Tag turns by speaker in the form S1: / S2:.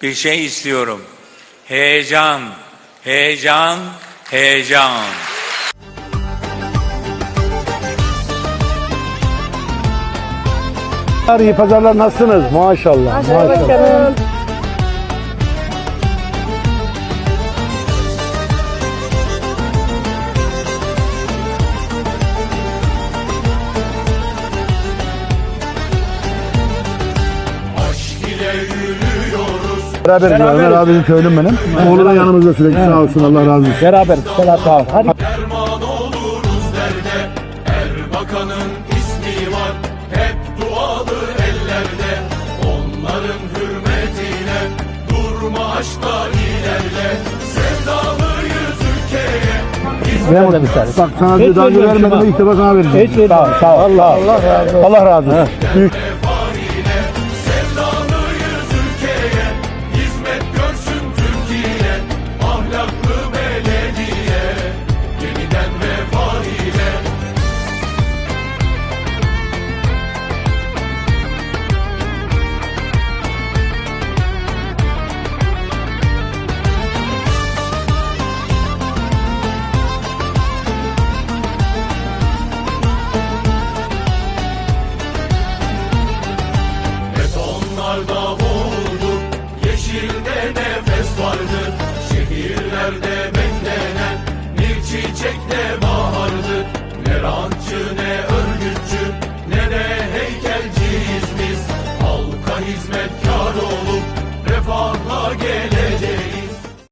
S1: bir şey istiyorum. Heyecan, heyecan, heyecan.
S2: İyi pazarlar, nasılsınız? Maşallah. Maşallah. Beraber gidiyoruz. Ömer abinin köylüm benim. Oğlu da yanımızda sürekli, sağ olsun, Allah razı olsun. Beraber. Sağ ol. Hadi.
S3: Derman oluruz derde, Erbakan'ın ismi var. Hep dualı ellerde, onların hürmetine. Durma aşkla ilerle, sevdalıyız ülkeye.
S2: Ben de bir tane. Bak sana bir daha vermedim, ilk defa sana vereceğim. Sağ ol. Allah razı olsun. Allah razı olsun.